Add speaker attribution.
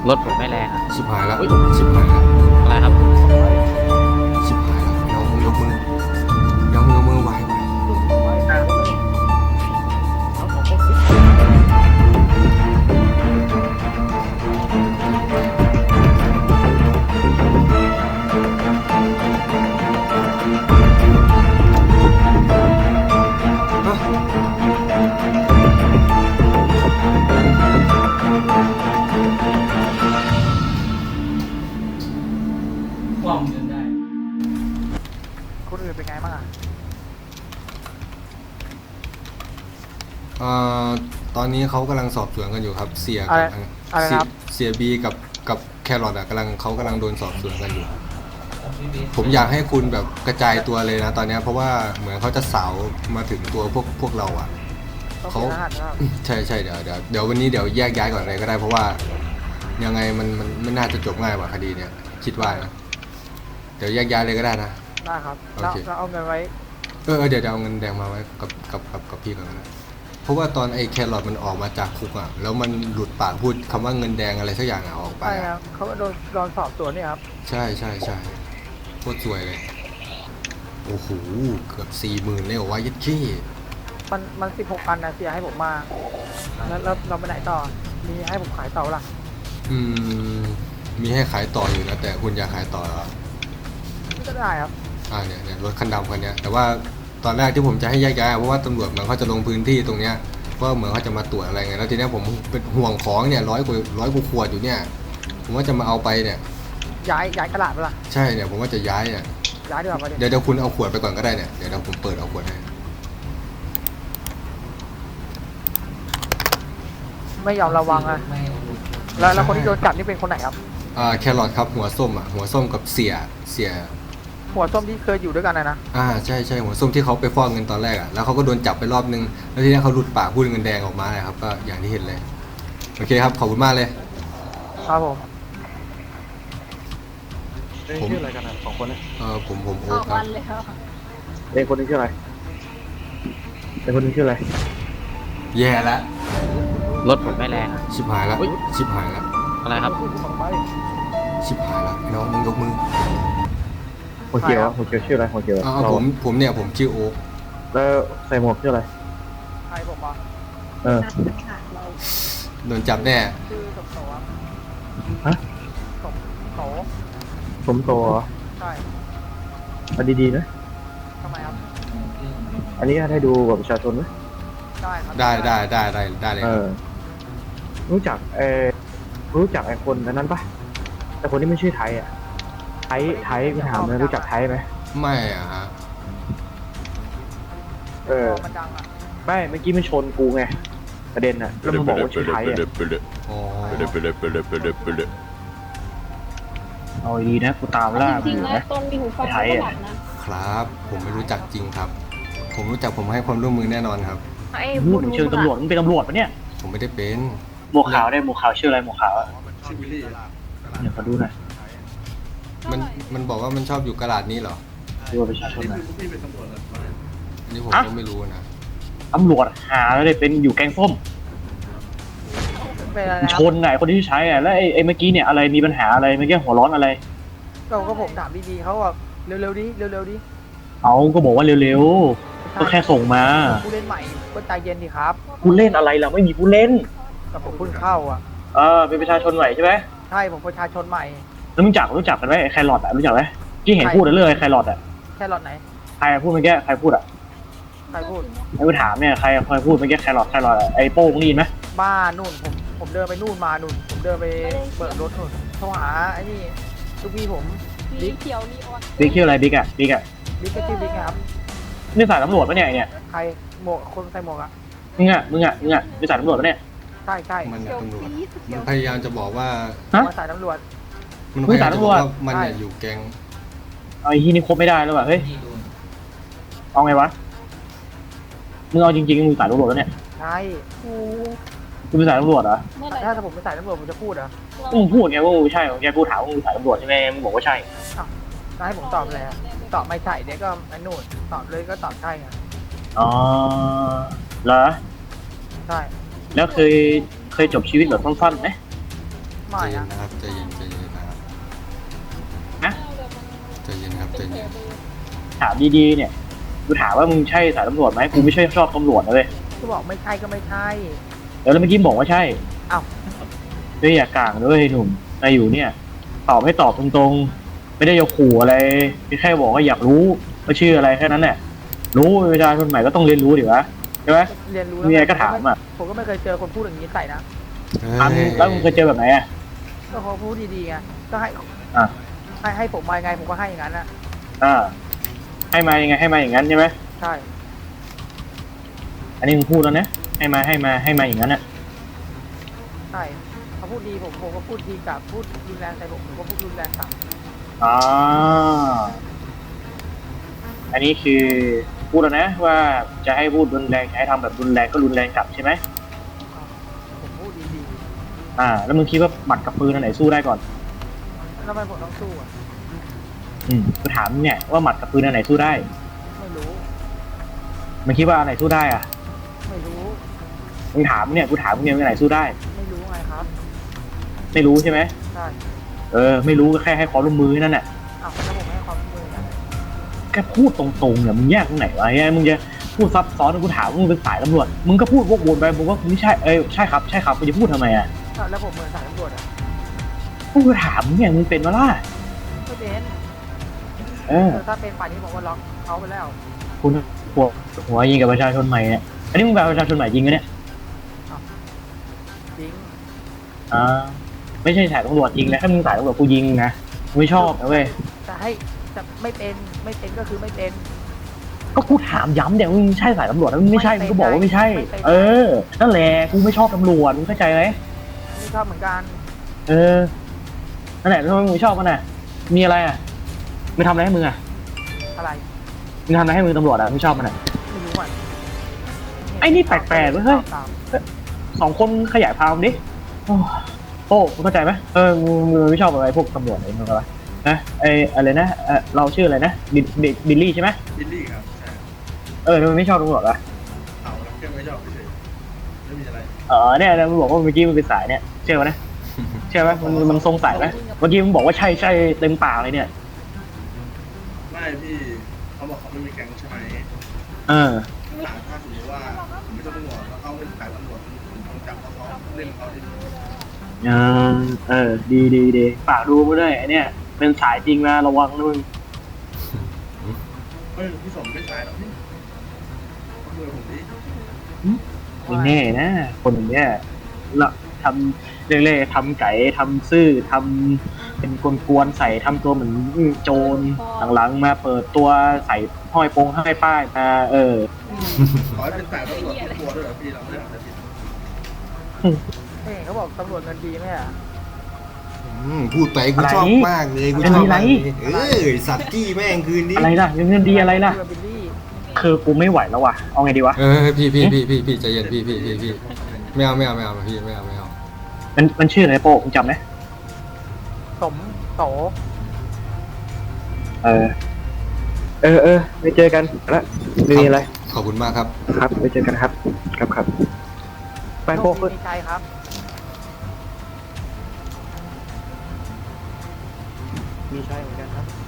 Speaker 1: รถผมไม่แรงอะ
Speaker 2: ชิบหายแล้วชิบหายแล้ว
Speaker 1: อะไรครับ
Speaker 2: ชิบหายแล้วน้องมึงยกมือน้องมึงยกมือไหว
Speaker 3: ความเงินได้
Speaker 4: คนอื่นเป็นไงบ้างอ่ะ
Speaker 2: ตอนนี้เขากำลังสอบสวนกันอยู่ครับเสีย
Speaker 4: อะไร
Speaker 2: กับ
Speaker 4: อะไรครับ
Speaker 2: เสียบีกับแครอทอ่ะเขากำลังโดนสอบสวนกันอยู่ ผมอยากให้คุณแบบกระจายตัวเลยนะตอนนี้เพราะว่าเหมือนเขาจะสาวมาถึงตัวพวกเราอ่ะ
Speaker 4: ต้อง
Speaker 2: เขา
Speaker 4: เสียรหัสนะครับ
Speaker 2: ใช่เดี๋ยววันนี้เดี๋ยวแยกย้ายก่อนเลยก็ได้เพราะว่ายังไงมันไม่น่าจะจบง่ายกว่าคดีเนี่ยคิดว่านะเดี๋ยวแยกย้ายเลยก็ได้นะ
Speaker 4: ได้ครับ
Speaker 2: โอ
Speaker 4: เรา
Speaker 2: เค
Speaker 4: เราเอาเงินไว้
Speaker 2: เดี๋ยวเอาเงินแดงมาไว้กับพี่ก่อนนะเพราะว่าตอนไอ้แครอทมันออกมาจากคุกอ่ะแล้วมันหลุดปากพูดคำว่าเงินแดงอะไรสักอย่างอ่ะออกไป
Speaker 4: ใช่ค
Speaker 2: อะ
Speaker 4: รับเขาก็โดนสอบสวนนี่ครับ
Speaker 2: ใช่โคตรสวยเลยโอ้โหเกือบ40,000เลยเหรอวะยัดขี้
Speaker 4: มัน16 อันนะเสียให้ผมมาแล้วเราไปไหนต่อ มีให้ผมขายต่อล่ะ
Speaker 2: อืมมีให้ขายต่ออยู่นะแต่คุณอยากขายต่อเหรอ
Speaker 4: ก็ได้ครับ
Speaker 2: เนี่ยรถคันดำคันเนี้ยแต่ว่าตอนแรกที่ผมจะให้แยกย้ายเพราะว่าตำรวจเหมือนเขาจะลงพื้นที่ตรงเนี้ยว่าเหมือนเขาจะมาตรวจอะไรไงแล้วทีเนี้ยผมเป็นห่วงของเนี่ยร้อยกว่าขวดอยู่เนี่ยผมว่าจะมาเอาไปเนี่ย
Speaker 4: ย้ายตลาดไปล่ะ
Speaker 2: ใช่เนี่ยผมว่าจะย้ายเนี่ย
Speaker 4: ย้ายดีกว่าไปดิ
Speaker 2: เดี๋ยวคุณเอาขวดไปก่อนก็ได้เนี่ยเดี๋ยวผมเปิดเอาขวดให้
Speaker 4: ไม่ยอมระวังอ่ะ แล้วคนที่โดนจับนี่เป็นคนไหนครับ
Speaker 2: แครอทครับหัวส้มหัวส้มกับเสีย
Speaker 4: หัวส้มที่เคยอยู่ด้วยกันนะ
Speaker 2: ใช่หัวส้มที่เขาไปฟอกเงินตอนแรกอ่ะแล้วเขาก็โดนจับไปรอบนึงแล้วทีนี้เขาหลุดปากพูดเงินแดงออกมาเลยครับก็อย่างที่เห็นเลยโอเคครับขอบคุณมากเลย
Speaker 4: ครับผม
Speaker 2: ผม
Speaker 5: ชื่ออะไรกันนะสองคนนะ
Speaker 2: ผมโอ๊
Speaker 6: อ
Speaker 2: ค
Speaker 6: อก
Speaker 2: ครั
Speaker 6: วั
Speaker 2: บ
Speaker 6: นเลยครับ
Speaker 5: เด็กคนนึงชื่ออะไรเด็กคนนึงชื่ออะไร
Speaker 2: แย่แล้ว
Speaker 1: รถผมไม่แรงอะ
Speaker 2: ชิบหายแล้วชิบหายแล้ว
Speaker 1: อะไรครับ
Speaker 2: ชิบหายแล้วน้องมึงยกมือ
Speaker 5: หัวเขียวหัวเขียวชื่ออะไรหัวเขียว
Speaker 2: ผมเนี่ยผมชื่อโอ๊ค
Speaker 5: แล้วใส่หมวกชื่ออะไร
Speaker 4: ใครผมบอก
Speaker 5: เออ
Speaker 6: นัดขาดเรา
Speaker 2: โดนจับแน่
Speaker 4: ชื่อสมโตครับ
Speaker 5: ฮะ
Speaker 4: สมโต
Speaker 5: สมโตเหรอ
Speaker 4: ใช่
Speaker 5: เอาดีๆนะ
Speaker 4: ทำไมครับ
Speaker 5: อันนี้ให้ดูบัตรประชาชนไหม
Speaker 4: ได้ครับ
Speaker 2: ได้เลย
Speaker 5: เออรู้จักรู้จักไอ้คนนั้นปะแต่คนที่ไม่ชื่อไทยอ่ะไทยกูถามเลยรู้จักไทยไหม
Speaker 2: ไม่อะฮะ
Speaker 5: เออ
Speaker 4: มันดังอ่ะ
Speaker 5: ไม่เมื่อกี้มันชนกูไงประเด็นอ่ะแล้วมันบอกว่าชื่อไทยอ่ะ
Speaker 2: อ๋อ
Speaker 5: เอาดีนะกูตามล่า
Speaker 6: จริงๆแล้วตอนมีหูฟัง
Speaker 5: ไท
Speaker 6: ก็
Speaker 5: ย
Speaker 6: ห
Speaker 5: อ่ะ
Speaker 6: ลับนะ
Speaker 2: ครับผมไม่รู้จักจริงครับ ผมรู้จักผมให้ความร่วมมือแน่นอนครับ
Speaker 6: ไอ้
Speaker 5: พูดถึงเชิงตำรวจมึงเป็นตำรวจปะเนี่ย
Speaker 2: ผมไม่ได้เป็น
Speaker 5: หมวกขาวได้หมวกขาวชื่ออะไรหมวกขาวอะเดี๋ยวขอดูหน่อย
Speaker 2: มันบอกว่ามันชอบอยู่กระดาษนี้เหรอ
Speaker 5: ดูบัตรประชาชนหน่อย
Speaker 2: อันนี้ผมก็ไม่รู้นะ
Speaker 5: ตำรวจหาแล้วเลยเป็นอยู่แกงส้ม
Speaker 4: เป็นอะไรนะ
Speaker 5: ชนไงคนที่ใช้อะแล้วไอ้เมื่อกี้เนี่ยอะไรมีปัญหาอะไรเมื่อกี้หัวร้อนอะไร
Speaker 4: ก็ผมถามดีๆเขาบอกเร็วๆดิเร็วๆดิ
Speaker 5: เอาก็บอกว่าเร็วๆก็แค่ส่งมา
Speaker 4: ผู้เล่นใหม่ก็ใจเย็นดีครับ
Speaker 5: ผู้เล่นอะไรเราไม่มีผู้เล่น
Speaker 4: แต่ผมเพิ่งเข้าอ่ะ
Speaker 5: เป็นประชาชนใหม่ใช่ไหม
Speaker 4: ใช่ผมประชาชนใหม่
Speaker 5: แล้วรู้จักกันไหมไอ้แครอทอะรู้จักไหมที่เห็นพูดเรื่องไอ้แครอทอะ
Speaker 4: แค่รอดไหน
Speaker 5: ใครพูดเมื่อกี้ใครพูดอะ
Speaker 4: ใครพูด
Speaker 5: ไอ้กูถามเนี่ยใครพูดเมื่อกี้แครอทอะไอ้โป้งนี่ไหม
Speaker 4: บ้านู่นผมเดินไปนู่นมานู่นผมเดินไปเปิดรถนู่นโทรหาไอ้นี่ลูกพี่ผม
Speaker 6: สีเขียวนีออน
Speaker 5: บิ๊กชื่ออะไรบิ๊กอะ
Speaker 4: บิ๊กก็ชื่อบิ๊กครับ
Speaker 5: นี่สายตำรวจปะเนี่ยไอ้เนี่ย
Speaker 4: ใครหมวกคนใส่หมวกอ่ะ
Speaker 5: มึงอะนี่สายตำรวจปะเนี่ย
Speaker 4: ใช่ใช่
Speaker 2: มัน
Speaker 6: เขียว
Speaker 2: ตำรวจ
Speaker 6: สีเขี
Speaker 2: มั
Speaker 6: ย
Speaker 2: น
Speaker 6: ว
Speaker 2: พยายามจะบอกว่า
Speaker 5: ฮะ
Speaker 4: มาสายตำรวจ
Speaker 2: มันพยายามจะบอกว่ามันเนี่ย
Speaker 4: ใช่
Speaker 2: อยู่แก๊ง
Speaker 5: เอาไอ้ที่นี่ครบไม่ได้แล้วว่ะเฮ้ยเอาไงวะมึงเอาจริงๆมึงสายตำรวจแล้วเนี่ย
Speaker 4: ใช่
Speaker 6: โอ้
Speaker 5: มึงเป็นสายตำรวจเหรอ
Speaker 6: เมื่อไหร่
Speaker 4: ถ้าผมเป็นสายตำรวจผมจะพูดเหรอ
Speaker 5: มึงพูดไงว่ามึงใช่แกกูถามว่ามึงสายตำรวจใช่ไหมมึงบอกว่าใช่
Speaker 4: จะให้ผมตอบอะไรอะตอบไม่ใช่เดี๋ยวก็ไอ้นู่นตอบเลยก็ตอบใช่ไง
Speaker 5: อ๋อเหรอ
Speaker 4: ใช่
Speaker 5: แล้วเคยจบชีวิตแบบสั้นๆไหม
Speaker 2: ใจ
Speaker 4: ไม่
Speaker 2: เย็น
Speaker 4: อะ
Speaker 2: นะครับใจเย็นใจเย็นนะครับ
Speaker 5: นะ
Speaker 2: ใจเย็นครับใจเย็น
Speaker 5: ถามดีๆเนี่ยกูถามว่ามึงใช่สายตำรวจไหมกูไม่ใช่ชอบตำรวจนะเลย
Speaker 4: ก็บอกไม่ใช่ก็ไม่ใช่
Speaker 5: แล้วเมื่อกี้บอกว่าใช่
Speaker 4: อ้าว
Speaker 5: เฮ้ยอย่ากลางด้วยหนุ่มนายอยู่เนี่ย ตอบให้ตอบตรงๆ ไม่ได้จะขู่อะไรแค่บอกว่าอยากรู้ว่าชื่ออะไรแค่นั้นแหละรู้ประชาชนใหม่ก็ต้องเรียนรู้ดิวะใช่ไหม
Speaker 4: เรียนรู้
Speaker 5: มีอะไรก็ถามอะ
Speaker 4: ผมก็ไม่เคยเจอคนพูดอย่างนี้ใส่นะ
Speaker 5: แล้วมึงเคยเจอแบบไหนอ่ะ
Speaker 4: ก็เขาพูดดีๆไงก็ให้
Speaker 5: อ่ะ
Speaker 4: ให้ผมมายังไงผมก็ให้อย่างนั้นอะ
Speaker 5: อ่าให้มายังไงให้มาอย่างนั้นใช่ไหม
Speaker 4: ใช่
Speaker 5: อันนี้มึงพูดแล้วนะให้มาอย่างนั้นอ่ะ
Speaker 4: ใช่เขาพูดดีผมก็พูดดีกับพูดรุนแรงใส่ผมก็พูดรุนแรงกลับ
Speaker 5: อ๋ออันนี้คือพูดแล้วนะว่าจะให้พูดรุนแรงจะให้ทำแบบรุนแรงก็รุนแรงกลับใช่ไหม
Speaker 4: ผมพูดดี
Speaker 5: แล้วมึงคิดว่าหมัดกับปืนอันไหนสู้ได้ก่อน
Speaker 4: ๆแล้วทำไมผมต้องสู้อะ
Speaker 5: กูถามเนี่ยว่าหมัดกับปืนอันไหนสู้ได้
Speaker 4: ไม่รู้
Speaker 5: มึงคิดว่าอันไหนสู้ได้อ่ะ
Speaker 4: ไม่รู้
Speaker 5: มึงถามเนี่ยกูถามมึงเนี่ยอันไหนสู้ได้
Speaker 4: ไม่รู้ไงครับ
Speaker 5: ไม่รู้ใช่ไหม
Speaker 4: ใช่
Speaker 5: ไม่รู้ก็แค่ให้ความร่วมมือนั่นแหละ
Speaker 4: อ้าวแล้วผมให้ความร่วมมือนะ
Speaker 5: แค่พูดตรงๆเนี่ยมึงแยกตรงไหนวะเนี่ยมึงจะพูดซับซ้อนกูถามว่ามึงเป็นสายตำรวจมึงก็พูดวกวนไปมึงว่าไม่ใช่ใช่ครับมึงจะพูดทำไมอ่ะ
Speaker 4: อ้าวแล้วผมเหมือนสายตำรวจอะ
Speaker 5: กูถามมึงเนี่ยมึงเป็นมาล่ะ
Speaker 4: ไม่เป็น ถ้าเป็นป่านนี้ผมก็ล็อกเขาไปแล้ว
Speaker 5: คุณหัวยิงกับประชาชนใหม่เนี่ยอันนี้มึงเป็นประชาชนใหม่จริงไหมเนี่ย
Speaker 4: จริง
Speaker 5: ไม่ใช่สายตำรวจจริงนะถ้ามึงสายตำรวจกูยิงนะกูไม่ชอบนะเว้ย
Speaker 4: จะไม่เป็นก็คือไม่เป็น
Speaker 5: ก็กูถามย้ำเดี๋ยวมึงใช่สายตำรวจแล้วมึงไม่ใช่มึงก็บอกว่าไม่ใช่ นั่นแหละกูไม่ชอบตำรวจมึงเข้าใจไหม
Speaker 4: ไม่ชอบเหมือนกัน
Speaker 5: นั่นแหละทำไมมึงไม่ชอบมันน่ะมีอะไรอ่ะไม่ทำอะไรให้มึงอ่ะ
Speaker 4: อะไร
Speaker 5: มึงทำอะไรให้มึงตำรวจอ่ะไม่ชอบมันอ่ะ
Speaker 4: ไม่รู้อ่ะ
Speaker 5: ไอ้นี่แปลกๆเว้ยเฮ้ย สองคนขยายความดิโอ้มึงเข้าใจไหมมึงไม่ชอบอะไรพวกตำรวจอะไรมึงอะไรนะอะไรนะเราชื่ออะไรนะบิลลี่ใช่ไหม
Speaker 3: บิลลี่ครับใช่
Speaker 5: ทำไมไม่ชอบตำรวจอ่ะ
Speaker 3: เอาแล้วแค่ไม่ชอบเฉยๆไม่มีอะไร
Speaker 5: เนี่ยมึงบอกว่าเมื่อกี้มึงเป็นสายเนี่ยเชื่อไหมนะเชื่อไหมมันทรงสายไหมเมื่อกี้มึงบอกว่าใช่เต็มปากเลยเนี่ย
Speaker 3: ไม่พี่เขาบอกเขาไม่มีแก๊งใช่ไหมถ้าสมมติว่าผมไม่ต้องตำรวจแล้วเขาเป็นสายตำรวจผมต้องจับเขาเล่นเขาดิ
Speaker 5: ดีฝากดูมาด้วยไอเนี่ยเป็นสายจริงนะระวังนะมึง
Speaker 3: เฮ้ยพี่สมไม่สายหรอกพี่เขามือผมดิ
Speaker 5: ไม่แน่นะคนอย่างเนี้ยละทำเล่ๆทำไก่ทำซื่อทำเป็นกวนๆใส่ทำตัวเหมือนโจรหลังๆมาเปิดตัวใส่ห้อยโปงห้อยป้ายมา
Speaker 3: ขอให้เป็นสายตำรวจทุกตัวด้วยเหรอพี่เราไม่ได้ทำอะไรผิด
Speaker 4: เขาบอกตำรวจเงินดีไหมอ่ะ
Speaker 2: พูดไปกูชอบมากเลยกูชอบมากสัตว์กี้แม่งคืนนี้
Speaker 5: อะไรล่ะเงินดีอะไรล่ะ
Speaker 4: บิลลี่
Speaker 5: คือกูไม่ไหวแล้วว่ะเอาไงดีวะ
Speaker 2: พี่ใจเย็นพี่ไม่เอาพี่ไม่เอา
Speaker 5: มันชื่ออะไรโป้มึงจำไหม
Speaker 4: สมโต
Speaker 5: ไปเจอกันแล้วไม่มีอะไร
Speaker 2: ขอบคุณมากครับ
Speaker 5: ครับไปเจอกันครับครับไปโป้
Speaker 4: มีใจครับ
Speaker 5: มีใช่เหมือนกันครับ